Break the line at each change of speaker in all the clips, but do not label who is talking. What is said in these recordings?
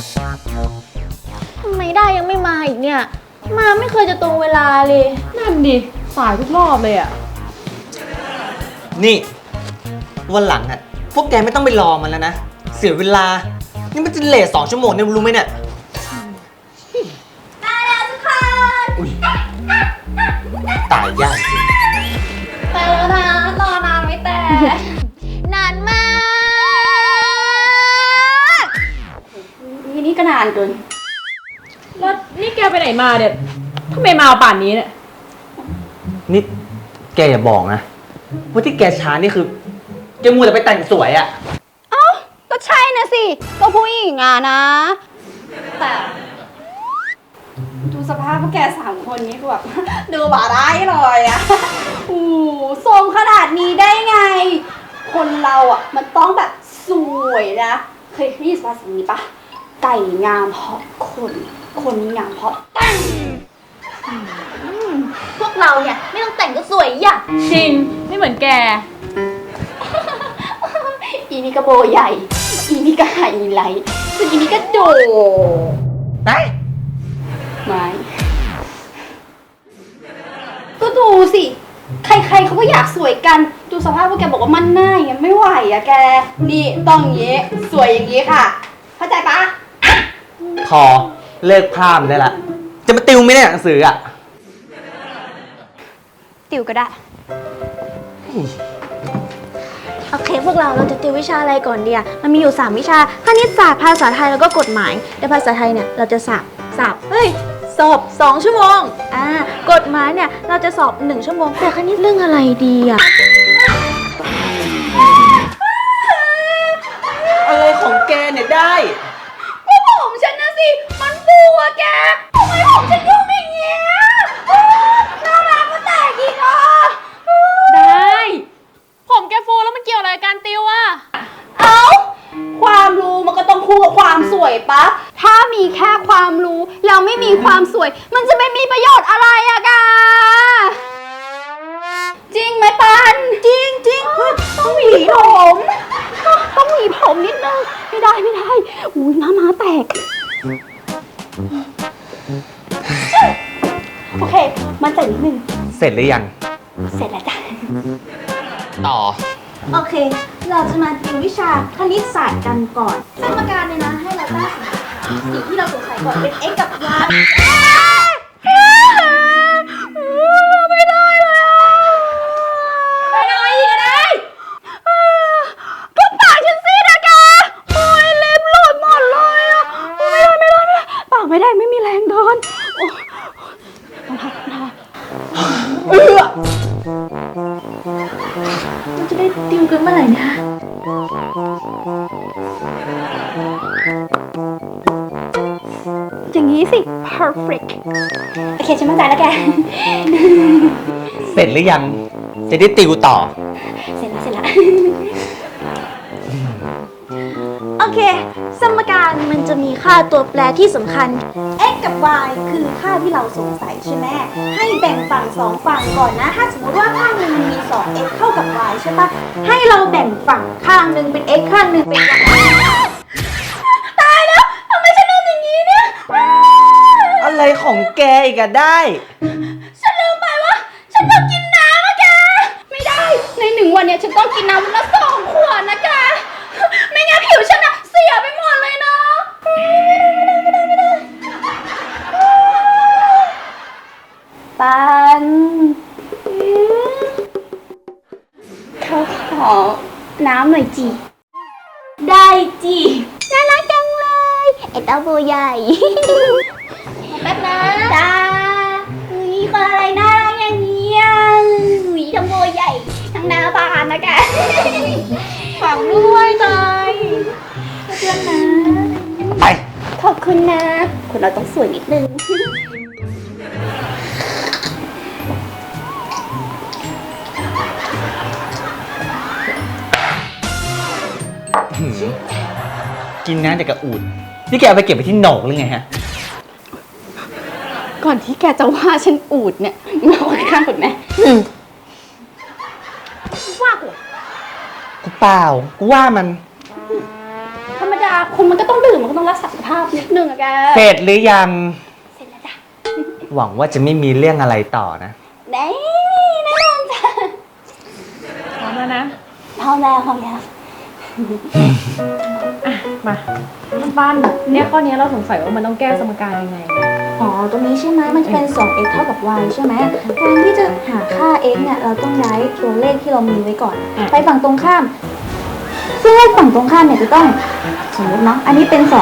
ทำไมได้ยังไม่มาอีกเนี่ยมาไม่เคยจะตรงเวลาเลย
นั่นดิสายทุกรอบเลยอ่ะ
นี่วันหลังอ่ะพวกแกไม่ต้องไปรอมันแล้วนะเสียเวลานี่มันจะเลท2 ชั่วโมงเนี่ยรู้ไหมเนี่ย
มาแล้วทุกคน
อุ๊ยตายยากจริง
ไปแล้วนะรอนานไม่แต่นานมาก
นี่ก็นานเกินแล้วนี่แกไปไหนมาเนี่ยทำไมมาป่านนี้เนี่ย
นี่แกอย่าบอกนะว่าที่แกช้านี่คือแกมัวแต่ไปแต่งสวยอ่ะ
เอ้าก็ใช่นะสิก็ผู้หญิงอ่ะนะแต่ดูสภาพพวกแก3 คนนี้คือแบบ ดูบ่าได้เลยอ่ะทรงขนาดนี้ได้ไงคนเราอ่ะมันต้องแบบสวยนะเคยได้ยินภาษานี้ปะไก่งามเพราะคนงามเพราะตั้ง
พวกเราเนี่ยไม่ต้องแต่งก็สวยอ่ะ
จริงไม่เหมือนแก
อีนี่ก็โบใหญ่ อีนี่ก็ไฮไลท์ส่วนอีนี่ก็โด
ไป
ไม่ก็ดูสิ ใครๆเขาก็อยากสวยกัน ดูสภาพพวกแกบอกว่ามันหน้าอย่างไม่ไหวอะแก นี่ต้องอย่างงี้ สวยอย่างงี้ค่ะ เข้าใจปะ
พอเลิกพร่ำได้ละจะมาติวไม่ได้หนังสืออ่ะ
ติวก็ได้
โอเคพวกเราจะติววิชาอะไรก่อนดีอะมันมีอยู่3 วิชาคณิตศาสตร์ภาษาไทยแล้วก็กฎหมายในภาษาไทยเนี่ยเราจะสอบสอบ2 ชั่วโมงกฎหมายเนี่ยเราจะสอบ1 ชั่วโมงแต่คณิตเรื่องอะไรดีอะ
อะไรของแกเนี่ยได้
ก็ผมฉันนะสิ มันฟูอะแกทำไมผมฉันยุ่งอย่างเงี้ยน่ารักก็แตกอีกอ่ะ
ได้ผมแกฟูแล้วมันเกี่ยวอะไรกับการติวอะ
เอ้าความรู้มันก็ต้องคู่กับความสวยปะถ้ามีแค่ความรู้แล้วไม่มีความสวย มันจะไม่มีประโยชน์อะไรอะกาจริงไหมปันจริงต้องหวีผมต้องหวีผมนิดนึงไม่ได้อุ้ยม้าแตกโอเคมันใจนิดนึง
เสร็จหรือยัง
เสร็จแล้วจ้ะ
ต่อ
โอเคเราจะมาติววิชาคณิตศาสตร์กันก่อนสมการเนี่ยนะให้เราตั้งสิ่งที่เราสงสัยก่อนเป็น x กับ y
ไม่ได้เลยไม่ได้อีกได้ก็ปากฉันซีดอะกาโอ้ยเล็บหลุดหมดเลยอะไม่ได้ปากไม่ได้ไม่มีแรงเดิน
เราจะได้ติวกันเมื่อไหร่นะ
อย่างนี้สิ perfect โอเคฉันมั่นใจแล้วแก
เสร็จหรือยังจะได้ติวต่อ
เสร็จแล้ว
โอเคสมการมันจะมีค่าตัวแปรที่สำคัญ x กับ y คือค่าที่เราสงสัยใช่ไหมให้แบ่งฝั่ง2 ฝั่งก่อนนะถ้าสมมติว่าข้างหนึ่งมันมี 2x เท่ากับ y ใช่ปะให้เราแบ่งฝั่งข้างหนึ่งเป็น x ข้างหนึ่งเป็น y
ตายแล้วทำไมฉันลืมอย่างนี้เนี่ย
อะไรของแกอีกอะได้
ฉันลืมไปว่าฉันต้องกินน้ำอะแกไม่ได้ใน1 วันเนี่ยฉันต้องกินน้ำวันละ2 ขวดนะแกไม่งั้นผิวฉันอะเสียไปหมดเลยนะไม่ได้ปันเขาขอน้ำหน่อยจี
ได้จีน่ารักจังเลยไอ้เต้าโบใหญ่แป๊บนะ
จ้าอุ้ยคนอะไรน่ารักอย่างนี้อ่ะอุ้ยทั้งโบใหญ่ทั้งหน้าบานนะแก
ฝังด้วยใจเพื่อนนะ
ไป
ขอบคุณนะคนเราต้องสวยนิดนึง
กินน้ำจากกระอูดนี่แกเอาไปเก็บไปที่โหนกหรือไงฮะ
ก่อนที่แกจะว่าฉันอูดเนี่ยมาคุยข้างก่อนไหมว่ากู
เปล่ากูว่ามัน
ธรรมดาคนมันก็ต้องดื่มมันก็ต้องรักษาสุขภาพ
บนิดนึงอะแก
เสร็จหรือยัง
เสร็จแล้วจ้ะ
หวังว่าจะไม่มีเรื่องอะไรต่อนะ
แน่แน่นอนจ้ะ
พร้อมแล้วนะ
พร้อมแล้วพร้อมแล้ว
มาปั้นเนี่ยข้อนี้เราสงสัยว่ามันต้องแก้สมการยังไง
อ๋อ ตรงนี้ใช่ไหมมันจะเป็น 2x เท่ากับ y ใช่ไหมการที่จะหาค่า x เนี่ย เราต้องย้ายตัวเลขที่เรามีไว้ก่อน
อ่ะ
ไปฝั่งตรงข้าม ซึ่งเลขฝั่งตรงข้ามเนี่ยจะต้องสมมติเนาะ อันนี้เป็น 2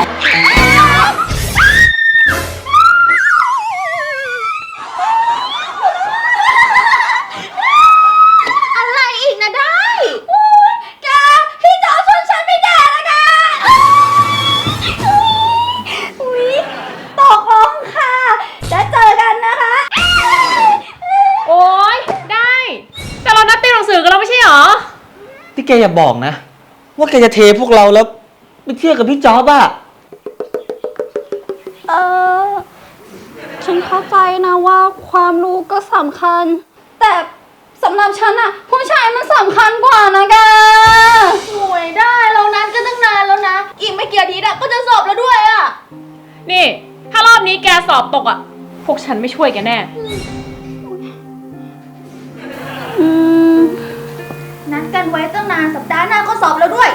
อะไรอีกนะได้
แกพี่จอชวนฉันไปแดกแล้วกันอุ๊ยตกลงค่ะแล้วเจอกันนะคะ
โอ๊ย ได้ แต่เรานัดติวหนังสือกันแล้วไม่ใช่หรอ
ที่แกอย่าบอกนะ ว่าแกจะเทพวกเราแล้วไปเที่ยวกับพี่จ๊อบอะ
ฉันเข้าใจนะว่าความรู้ก็สำคัญ แต่สำหรับฉันอะผู้ชายมันสำคัญกว่านะแก
โอ้ยได้เรานัดกันตั้งนานแล้วนะ อีกไม่กี่อาทิตย์อะก็จะสอบแล้วด้วยอะ
นี่ ถ้ารอบนี้แกสอบตกอ่ะ พวกฉันไม่ช่วยแกแน่
นัดกันไว้ตั้งนานสัปดาห์หน้าก็สอบแล้วด้วย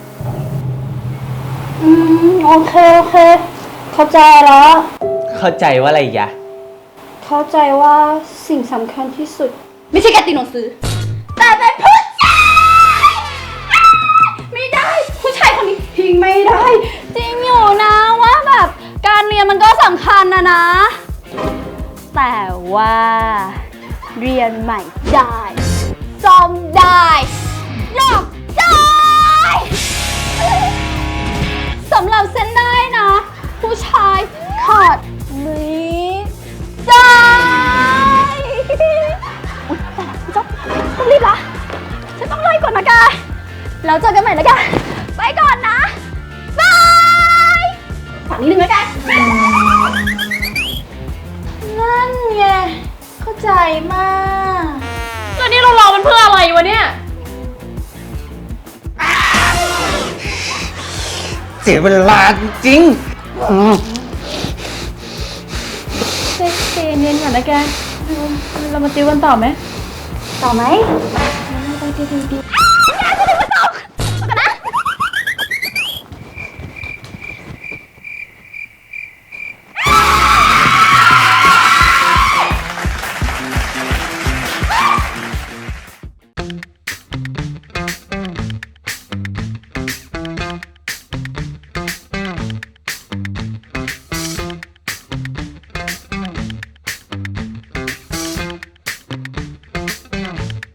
โอเคโอเค เข้าใจแล้ว
เข้าใจว่าอะไรอีกอะ
เข้าใจว่าสิ่งสำคัญที่สุด ไม่ใช่การติวหนังสือ แต่เป็นผู้ชายไม่ได้ ผู้ชายคนนี้ทิ้งไม่ได้ จริงอยู่นะว่าแบบการเรียนมันก็สำคัญนะ แต่ว่าเรียนใหม่ได้ซ่อมได้หลอกได้สำหรับเส้นได้นะ ผู้ชายขาดนี้ได้อุ๊ยแต่ละพี่จ๊อบต้องรีบละฉันต้องไล่ก่อนนะกายแล้วเจอกันใหม่นะกายไปก่อนนะบายฝั่งนี้หนึ่งนะกาย
นั่นไง เข้าใจมาก
แล้วนี่เรารอมันเพื่ออะไรวะเนี่ย
เสียเวลาจริง
ใจเย็นๆก่อนนะแก เรามาติวกันต่อไหม
ต่อไหม
ไป